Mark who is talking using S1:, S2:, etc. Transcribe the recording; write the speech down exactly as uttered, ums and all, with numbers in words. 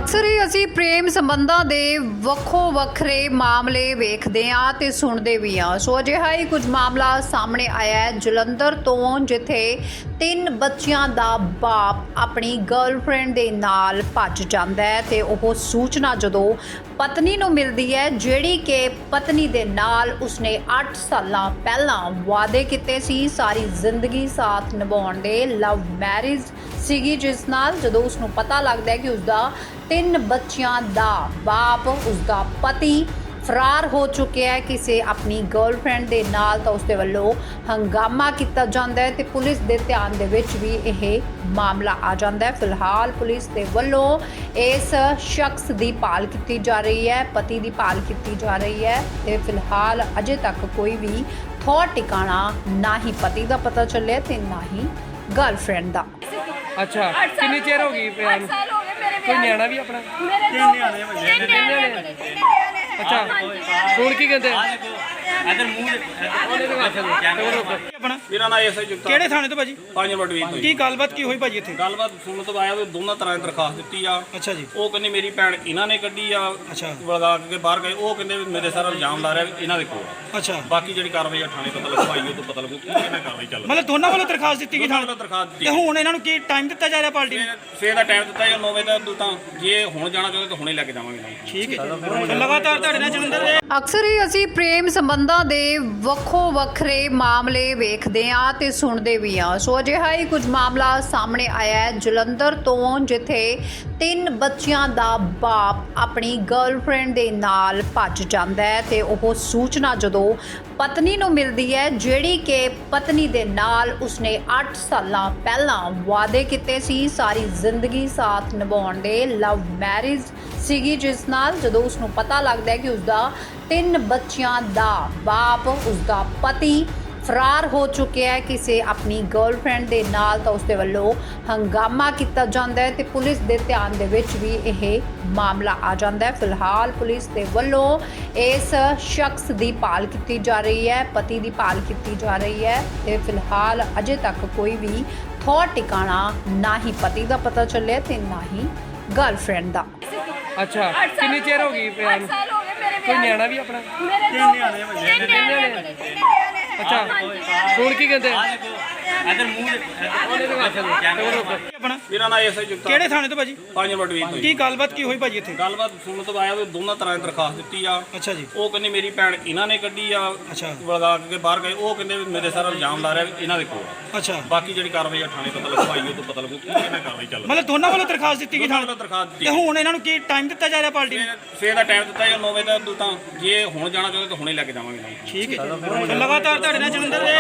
S1: ਅਕਸਰ ਹੀ ਅਸੀਂ ਪ੍ਰੇਮ ਸੰਬੰਧਾਂ ਦੇ ਵੱਖੋ ਵੱਖਰੇ ਮਾਮਲੇ ਵੇਖਦੇ ਹਾਂ ਤੇ ਸੁਣਦੇ ਵੀ ਹਾਂ। ਸੋ ਅਜਿਹਾ ਹੀ ਕੁਝ ਮਾਮਲਾ ਸਾਹਮਣੇ ਆਇਆ ਹੈ ਜਲੰਧਰ ਤੋਂ, ਜਿੱਥੇ ਤਿੰਨ ਬੱਚਿਆਂ ਦਾ ਬਾਪ ਆਪਣੀ ਗਰਲਫ੍ਰੈਂਡ ਦੇ ਨਾਲ ਭੱਜ ਜਾਂਦਾ ਹੈ ਤੇ ਉਹ ਸੂਚਨਾ ਜਦੋਂ ਪਤਨੀ ਨੂੰ ਮਿਲਦੀ ਹੈ, ਜਿਹੜੀ ਕਿ ਪਤਨੀ ਦੇ ਨਾਲ ਉਸਨੇ ਅੱਠ ਸਾਲਾਂ ਪਹਿਲਾਂ ਵਾਅਦੇ ਕੀਤੇ ਸੀ, ਸਾਰੀ ਜ਼ਿੰਦਗੀ ਸਾਥ ਨਿਭਾਉਣ ਦੇ, ਲਵ ਮੈਰਿਜ ਸੀਗੀ, ਜਿਸ ਨਾਲ ਜਦੋਂ ਉਸਨੂੰ ਪਤਾ ਲੱਗਦਾ ਹੈ ਕਿ ਉਸਦਾ ਤਿੰਨ ਬੱਚਿਆਂ ਦਾ ਬਾਪ, ਉਸਦਾ ਪਤੀ ਫਰਾਰ ਹੋ ਚੁੱਕਿਆ ਹੈ ਕਿਸੇ ਆਪਣੀ ਗਰਲਫ੍ਰੈਂਡ ਦੇ ਨਾਲ, ਤਾਂ ਉਸਦੇ ਵੱਲੋਂ ਹੰਗਾਮਾ ਕੀਤਾ ਜਾਂਦਾ ਹੈ ਤੇ ਪੁਲਿਸ ਦੇ ਧਿਆਨ ਦੇ ਵਿੱਚ ਵੀ ਇਹ ਮਾਮਲਾ ਆ ਜਾਂਦਾ ਹੈ। ਫਿਲਹਾਲ ਪੁਲਿਸ ਦੇ ਵੱਲੋਂ ਇਸ ਸ਼ਖਸ ਦੀ ਭਾਲ ਕੀਤੀ ਜਾ ਰਹੀ ਹੈ, ਪਤੀ ਦੀ ਭਾਲ ਕੀਤੀ ਜਾ ਰਹੀ ਹੈ ਤੇ ਫਿਲਹਾਲ ਅਜੇ ਤੱਕ ਕੋਈ ਵੀ ਥੌ ਟਿਕਾਣਾ ਨਾ ਹੀ ਪਤੀ ਦਾ ਪਤਾ ਚੱਲਿਆ ਤੇ ਨਾ ਹੀ ਗਰਲਫ੍ਰੈਂਡ ਦਾ।
S2: ਅੱਛਾ, ਕਿੰਨੀ ਚਿਰ ਹੋ ਗਈ ਪਿਆ ਨੂੰ? ਕੋਈ ਨਿਆਣਾ ਵੀ ਆਪਣਾ?
S3: ਤਿੰਨ ਨਿਆਣੇ ਹੋਏ ਨੇ।
S2: ਅੱਛਾ, ਹੁਣ ਕੀ ਕਹਿੰਦੇ?
S3: ਇਧਰ ਮੂੰਹ
S2: ਉਹਨੇ ਦੇ ਵਾਸਤੇ
S3: ਆਪਣਾ
S4: ਮੇਰਾ ਨਾਮ ਐਸਆਈ ਜੁਗਤਾ
S3: ਕਿਹੜੇ ਥਾਣੇ ਤੋਂ ਭਾਜੀ?
S4: ਪੰਜ ਨੰਬਰ ਡਿਵੀਜ਼ਨ ਤੋਂ।
S3: ਕੀ ਗੱਲਬਾਤ ਕੀ ਹੋਈ ਭਾਜੀ ਇੱਥੇ?
S4: ਗੱਲਬਾਤ ਸੁਣਨ ਤੋਂ ਆਇਆ ਵੀ ਦੋਨਾਂ ਤਰ੍ਹਾਂ ਦੀ ਦਰਖਾਸਤ ਦਿੱਤੀ ਆ।
S3: ਅੱਛਾ ਜੀ।
S4: ਉਹ ਕਹਿੰਦੇ ਮੇਰੀ ਭੈਣ ਇਹਨਾਂ ਨੇ ਕੱਢੀ ਆ,
S3: ਅੱਛਾ
S4: ਵਲਗਾ ਕੇ ਬਾਹਰ ਗਏ। ਉਹ ਕਹਿੰਦੇ ਵੀ ਮੇਰੇ ਸਾਰਾ ਇਲਜ਼ਾਮ ਲਾ ਰਿਹਾ ਵੀ ਇਹਨਾਂ ਦੇ ਕੋਲ ਆ।
S3: ਅੱਛਾ,
S4: ਬਾਕੀ ਜਿਹੜੀ ਕਾਰਵਾਈ ਆ ਥਾਣੇ ਪਤਾ ਲੱਗੂ, ਆਈ ਉਹ ਤੋਂ ਪਤਾ ਲੱਗੂ ਕਿ ਕਿਹਨਾਂ ਕਾਰਵਾਈ ਚੱਲ ਰਹੀ
S3: ਮਤਲਬ ਦੋਨਾਂ ਵੱਲੋਂ ਦਰਖਾਸਤ ਦਿੱਤੀ ਗਈ
S4: ਦੋਨਾਂ
S3: ਥਾਣੇ
S4: ਵੱਲੋਂ ਦਰਖਾਸਤ ਦਿੱਤੀ।
S3: ਤੇ ਹੁਣ ਇਹਨਾਂ ਨੂੰ ਕੀ ਟਾਈਮ ਦਿੱਤਾ ਜਾ ਰਿਹਾ ਪਾਰਟੀ ਨੂੰ?
S4: ਸਵੇਰ ਦਾ ਟਾਈਮ ਦਿੱਤਾ ਜਾਂ ਨੌ ਵਜੇ ਦਾ, ਤਾਂ ਜੇ ਹੁਣ ਜਾਣਾ ਚਾਹੁੰਦੇ ਤਾਂ ਹੁਣੇ ਲੈ ਕੇ ਜਾਵਾਂਗੇ ਨਾਲ।
S3: ਠੀਕ ਹੈ ਜੀ। ਲਗਾਤਾਰ ਤੁਹਾਡੇ ਨਾਲ ਜਲੰਧਰ ਦੇ
S1: ਅਕਸਰ ਹੀ ਅਸੀਂ ਪ੍ਰੇਮ ਸੰਬੰਧਾਂ ਦੇ ਵੱਖੋ ਵੱਖਰੇ ਮਾਮਲੇ ਵੇਖਦੇ ਹਾਂ ਤੇ ਸੁਣਦੇ ਵੀ ਹਾਂ। ਸੋ ਅਜਿਹਾ ਹੀ ਕੁਝ ਮਾਮਲਾ ਸਾਹਮਣੇ ਆਇਆ ਹੈ ਜਲੰਧਰ ਤੋਂ, ਜਿੱਥੇ ਤਿੰਨ ਬੱਚਿਆਂ ਦਾ ਬਾਪ ਆਪਣੀ ਗਰਲਫ੍ਰੈਂਡ ਦੇ ਨਾਲ ਭੱਜ ਜਾਂਦਾ ਹੈ ਤੇ ਉਹ ਸੂਚਨਾ ਜਦੋਂ ਪਤਨੀ ਨੂੰ ਮਿਲਦੀ ਹੈ, ਜਿਹੜੀ ਕਿ ਪਤਨੀ ਦੇ ਨਾਲ ਉਸਨੇ ਅੱਠ ਸਾਲਾਂ ਪਹਿਲਾਂ ਵਾਅਦੇ ਕੀਤੇ ਸੀ, ਸਾਰੀ ਜ਼ਿੰਦਗੀ ਸਾਥ ਨਿਭਾਉਣ ਦੇ, ਲਵ ਮੈਰਿਜ ਸੀਗੀ, ਜਿਸ ਨਾਲ ਜਦੋਂ ਉਸਨੂੰ ਪਤਾ ਲੱਗਦਾ ਹੈ ਕਿ ਉਸਦਾ ਤਿੰਨ ਬੱਚਿਆਂ ਦਾ ਬਾਪ, ਉਸਦਾ ਪਤੀ ਫਰਾਰ ਹੋ ਚੁੱਕਿਆ ਹੈ ਕਿਸੇ ਆਪਣੀ ਗਰਲਫ੍ਰੈਂਡ ਦੇ ਨਾਲ, ਤਾਂ ਉਸਦੇ ਵੱਲੋਂ ਹੰਗਾਮਾ ਕੀਤਾ ਜਾਂਦਾ ਹੈ ਤੇ ਪੁਲਿਸ ਦੇ ਧਿਆਨ ਦੇ ਵਿੱਚ ਵੀ ਇਹ ਮਾਮਲਾ ਆ ਜਾਂਦਾ ਹੈ। ਫਿਲਹਾਲ ਪੁਲਿਸ ਦੇ ਵੱਲੋਂ ਇਸ ਸ਼ਖਸ ਦੀ ਭਾਲ ਕੀਤੀ ਜਾ ਰਹੀ ਹੈ, ਪਤੀ ਦੀ ਭਾਲ ਕੀਤੀ ਜਾ ਰਹੀ ਹੈ ਤੇ ਫਿਲਹਾਲ ਅਜੇ ਤੱਕ ਕੋਈ ਵੀ ਥੌ ਟਿਕਾਣਾ ਨਾ ਹੀ ਪਤੀ ਦਾ ਪਤਾ ਚੱਲਿਆ ਤੇ ਨਾ ਹੀ ਗਰਲਫ੍ਰੈਂਡ ਦਾ।
S2: ਅੱਛਾ, ਕਿੰਨੀ ਚਿਰ ਹੋ ਗਈ ਪਿਆ ਨੂੰ? ਕੋਈ ਨਿਆਣਾ ਵੀ ਆਪਣਾ?
S3: ਤਿੰਨ ਨਿਆਣੇ ਹੋਏ ਨੇ।
S2: ਅੱਛਾ, ਹੁਣ ਕੀ ਕਹਿੰਦੇ?
S3: ਇਧਰ ਮੂੰਹ
S2: ਉਹਨੇ ਦੇ ਵਾਸਤੇ
S3: ਆਪਣਾ
S4: ਮੇਰਾ ਨਾਮ ਐਸਆਈ ਜੁਗਤਾ
S3: ਕਿਹੜੇ ਥਾਣੇ ਤੋਂ ਭਾਜੀ?
S4: ਪੰਜ ਨੰਬਰ ਡਿਵੀਜ਼ਨ ਤੋਂ।
S3: ਕੀ ਗੱਲਬਾਤ ਕੀ ਹੋਈ ਭਾਜੀ ਇੱਥੇ?
S4: ਗੱਲਬਾਤ ਸੁਣਨ ਤੋਂ ਆਇਆ ਵੀ ਦੋਨਾਂ ਤਰ੍ਹਾਂ ਦੀ ਦਰਖਾਸਤ ਦਿੱਤੀ ਆ।
S3: ਅੱਛਾ ਜੀ।
S4: ਉਹ ਕਹਿੰਦੇ ਮੇਰੀ ਭੈਣ ਇਹਨਾਂ ਨੇ ਕੱਢੀ ਆ,
S3: ਅੱਛਾ
S4: ਵਲਗਾ ਕੇ ਬਾਹਰ ਗਏ। ਉਹ ਕਹਿੰਦੇ ਵੀ ਮੇਰੇ ਸਾਰਾ ਇਲਜ਼ਾਮ ਲਾ ਰਿਹਾ ਵੀ ਇਹਨਾਂ ਦੇ ਕੋਲ ਆ।
S3: ਅੱਛਾ,
S4: ਬਾਕੀ ਜਿਹੜੀ ਕਾਰਵਾਈ ਆ ਥਾਣੇ ਪਤਾ ਲੱਗੂ, ਆਈ ਉਹ ਤੋਂ ਪਤਾ ਲੱਗੂ ਕਿ ਕਿਹਨਾਂ ਕਾਰਵਾਈ ਚੱਲ ਰਹੀ
S3: ਮਤਲਬ ਦੋਨਾਂ ਵੱਲੋਂ ਦਰਖਾਸਤ ਦਿੱਤੀ ਗਈ
S4: ਦੋਨਾਂ
S3: ਥਾਣੇ
S4: ਵੱਲੋਂ ਦਰਖਾਸਤ
S3: ਤੇ
S4: ਦਿੱਤੀ।
S3: ਹੁਣ ਇਹਨਾਂ ਨੂੰ ਕੀ ਟਾਈਮ ਦਿੱਤਾ ਜਾ ਰਿਹਾ ਪਾਰਟੀ ਨੂੰ?
S4: ਸਵੇਰ ਦਾ ਟਾਈਮ ਦਿੱਤਾ ਜਾਂ ਨੌ ਵਜੇ ਦਾ, ਤਾਂ ਜੇ ਹੁਣ ਜਾਣਾ ਚਾਹੁੰਦੇ ਤਾਂ ਹੁਣੇ ਲੈ ਕੇ ਜਾਵਾਂਗੇ ਨਾਲ।
S3: ਠੀਕ ਹੈ ਜੀ। ਲਗਾਤਾਰ ਤੁਹਾਡੇ ਨਾਲ ਜਲੰਧਰ ਦੇ